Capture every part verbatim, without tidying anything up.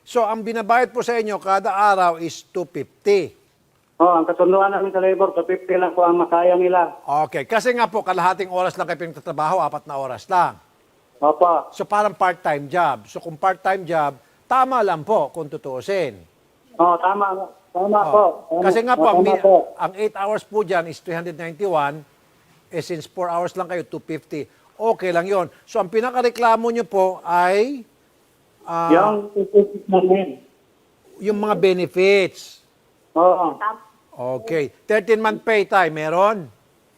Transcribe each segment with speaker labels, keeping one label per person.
Speaker 1: So, ang binabayad po sa inyo kada araw is two fifty.
Speaker 2: Oh, ang kasunduan namin sa labor, two fifty lang po ang makaya nila.
Speaker 1: Okay. Kasi nga po, kalahating oras lang kayo pinagtatrabaho, apat na oras lang.
Speaker 2: Opo.
Speaker 1: So, parang part-time job. So, kung part-time job, tama lang po kung tutuusin.
Speaker 2: Oh, tama. Tama
Speaker 1: Oh.
Speaker 2: po. Tama,
Speaker 1: Kasi nga po, ang,
Speaker 2: tama
Speaker 1: mi-
Speaker 2: po.
Speaker 1: ang eight hours po dyan is three hundred ninety-one. Eh, since four hours lang kayo, two fifty. Okay lang yon. So, ang pinakareklamo nyo po ay ah,
Speaker 2: Yung isusip namin.
Speaker 1: yung mga benefits.
Speaker 2: Oo.
Speaker 1: Okay. thirteen-month pay tayo, meron?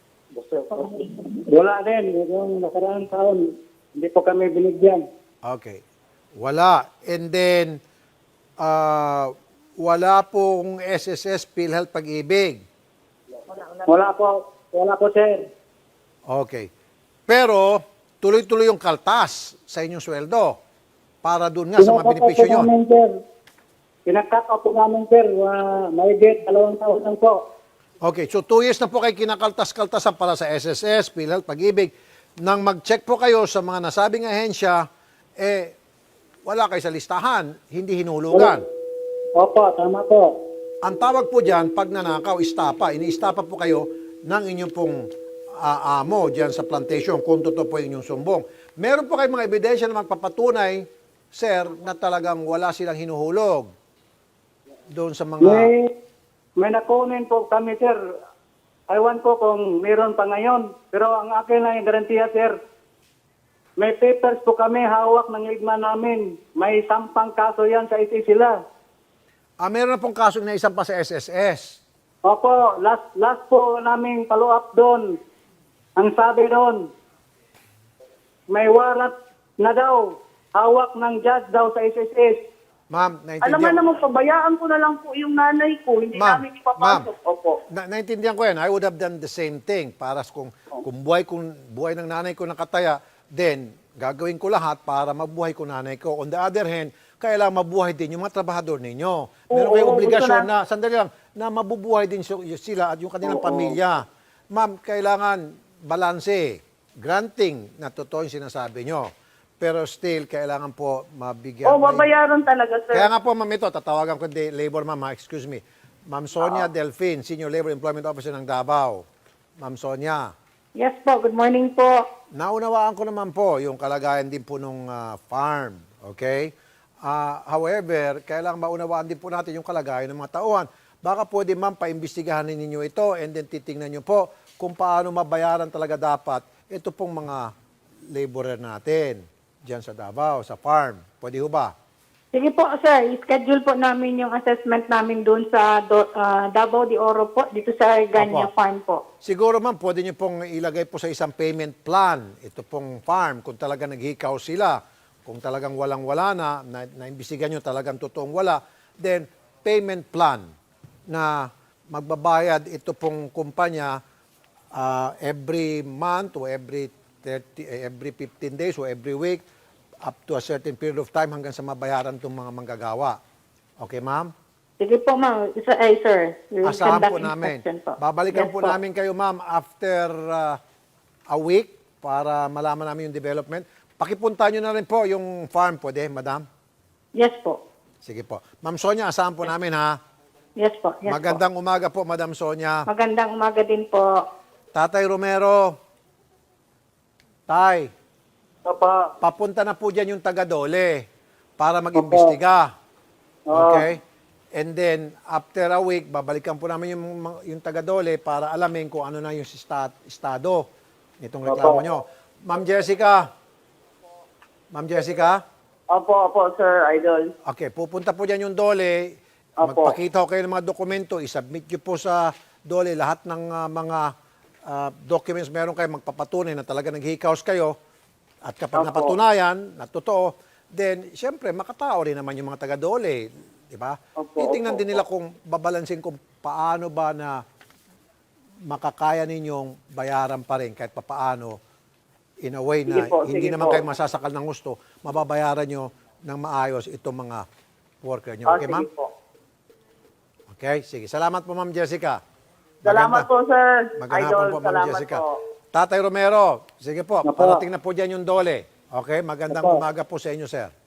Speaker 2: Wala din. Yung nakaraang taon, hindi po kami binigyan.
Speaker 1: Okay. Wala. And then, ah, wala pong S S S, PhilHealth, Pag-ibig.
Speaker 2: Wala po. Wala po, sir.
Speaker 1: Okay. Pero, tuloy-tuloy yung kaltas sa inyong sweldo para doon nga sa mga benepisyo nyo.
Speaker 2: namin, sir. Pinakat up po namin, sir. Uh, may get, dalawang taon lang po.
Speaker 1: Okay, so two years na po kayo kinakaltas-kaltasan para sa S S S, PhilHealth, Pag-ibig. Nang mag-check po kayo sa mga nasabing ahensya, eh, wala kayo sa listahan, hindi hinulugan.
Speaker 2: Opo, tama po.
Speaker 1: Ang tawag po dyan, pag nanakaw, istapa. Ini-istapa po kayo ng inyong pong ah, amo dyan sa plantation kung totoo po yung inyong sumbong. Meron po kayong mga ebidensya na magpapatunay, sir, na talagang wala silang hinuhulog doon sa mga...
Speaker 2: May, may nakunin po kami, sir. Ewan ko kung meron pa ngayon. Pero ang akin lang yung garantiya, sir. May papers po kami hawak ng ligma namin. May sampang kaso yan sa iti sila.
Speaker 1: Ah, meron na pong kaso na isang pa sa S S S.
Speaker 2: Opo, last, last po namin follow-up doon. Ang sabi doon, may warrant na daw. Hawak ng judge daw sa S S S.
Speaker 1: Ma'am,
Speaker 3: Alam nga
Speaker 1: naintindihan,
Speaker 3: naman, pabayaan ko na lang po yung nanay ko. Hindi
Speaker 1: Ma'am,
Speaker 3: namin ipapasok. Opo.
Speaker 1: na, naintindihan ko yan. I would have done the same thing. Para s- kung, kung buhay, kung buhay ng nanay ko nakataya, then gagawin ko lahat para mabuhay ko nanay ko. On the other hand, kailangan mabuhay din yung mga trabahador ninyo. Meron
Speaker 3: Oo,
Speaker 1: kayong
Speaker 3: gusto
Speaker 1: obligasyon
Speaker 3: na-
Speaker 1: na, sandali lang, na mabubuhay din si- sila at yung kanilang
Speaker 3: Oo.
Speaker 1: pamilya. Ma'am, kailangan balanse, granting na totoo yung sinasabi nyo. Pero still, kailangan po mabigyan.
Speaker 3: Oh,
Speaker 1: may-
Speaker 3: babayaran talaga, sir.
Speaker 1: Kaya nga po, ma'am, ito, tatawagan ko di labor, ma'am, ha? Excuse me. Ma'am Sonia
Speaker 3: Ah.
Speaker 1: Delfin, Senior Labor Employment Officer ng Davao. Ma'am Sonia,
Speaker 3: Yes po, good morning po.
Speaker 1: naunawaan ko naman po yung kalagayan din po nung ah, farm, okay? Ah, however, kailangan maunawaan din po natin yung kalagayan ng mga tauhan. Baka pwede, ma'am, paimbestigahan ninyo ito and then titingnan nyo po kung paano mabayaran talaga dapat ito pong mga laborer natin diyan sa Davao, sa farm. Pwede ho ba?
Speaker 3: Sige po, sir. I-schedule po namin yung assessment namin doon sa Do, ah, Davao de Oro po, dito sa Ganya
Speaker 1: Opo.
Speaker 3: Farm po.
Speaker 1: Siguro ma'am, pwede nyo pong ilagay po sa isang payment plan, ito pong farm, kung talaga naghikaw sila, kung talagang walang-wala na, na naimbisigan nyo talagang totoong wala, then payment plan na magbabayad ito pong kumpanya ah, every month o every thirty, eh, every fifteen days o every week up to a certain period of time hanggang sa mabayaran itong mga manggagawa. Okay, ma'am?
Speaker 3: Sige po, ma'am. Isa, ay, sir. We will
Speaker 1: Asahan
Speaker 3: conduct
Speaker 1: po namin.
Speaker 3: inspection po.
Speaker 1: Babalikan
Speaker 3: Yes
Speaker 1: po, namin kayo, ma'am, after uh, a week para malaman namin yung development. Pakipunta nyo na rin po yung farm, pwede, madam?
Speaker 3: Yes po.
Speaker 1: Sige po. Ma'am Sonia, asahan po namin, ha?
Speaker 3: Yes po. Yes
Speaker 1: Magandang umaga po, Madam Sonia.
Speaker 3: po. Magandang umaga din po.
Speaker 1: Tatay Romero, Tay,
Speaker 2: Opo.
Speaker 1: papunta na po dyan yung taga-Dole para mag-imbestiga.
Speaker 2: Oo.
Speaker 1: Okay? And then, after a week, babalikan po namin yung, mga- yung taga-Dole para alamin kung ano na yung sta- estado nitong reklamo
Speaker 2: Opo.
Speaker 1: nyo. Ma'am Jessica? Ma'am Jessica?
Speaker 3: Opo, opo, sir, idol.
Speaker 1: Okay, pupunta po dyan yung Dole.
Speaker 2: Opo.
Speaker 1: Magpakita ko kayo ng mga dokumento. I-submit nyo po sa Dole lahat ng ah, mga ah, documents meron kayo magpapatunay na talaga naghihikaos kayo. At kapag
Speaker 2: Opo.
Speaker 1: napatunayan na totoo, then, siyempre, makatao rin naman yung mga taga-Dole. Di ba?
Speaker 2: Opo,
Speaker 1: Titingnan
Speaker 2: opo,
Speaker 1: din nila kung babalansin kung paano ba na makakaya ninyong bayaran pa rin kahit papaano in a way na
Speaker 2: Sige po,
Speaker 1: hindi
Speaker 2: sige
Speaker 1: naman
Speaker 2: po.
Speaker 1: kayo masasakal ng gusto, mababayaran nyo ng maayos itong mga worker nyo.
Speaker 2: Ah,
Speaker 1: Okay,
Speaker 2: sige
Speaker 1: ma'am?
Speaker 2: po.
Speaker 1: Okay, sige. Salamat po, Ma'am Jessica.
Speaker 3: Salamat po, sir.
Speaker 1: Magandang
Speaker 3: Idol,
Speaker 1: hapon po, Ma'am
Speaker 3: salamat
Speaker 1: Jessica.
Speaker 3: po.
Speaker 1: Tatay Romero, sige po,
Speaker 2: Opo.
Speaker 1: parating na po dyan yung Dole. Okay, magandang
Speaker 2: Opo.
Speaker 1: umaga po sa inyo, sir.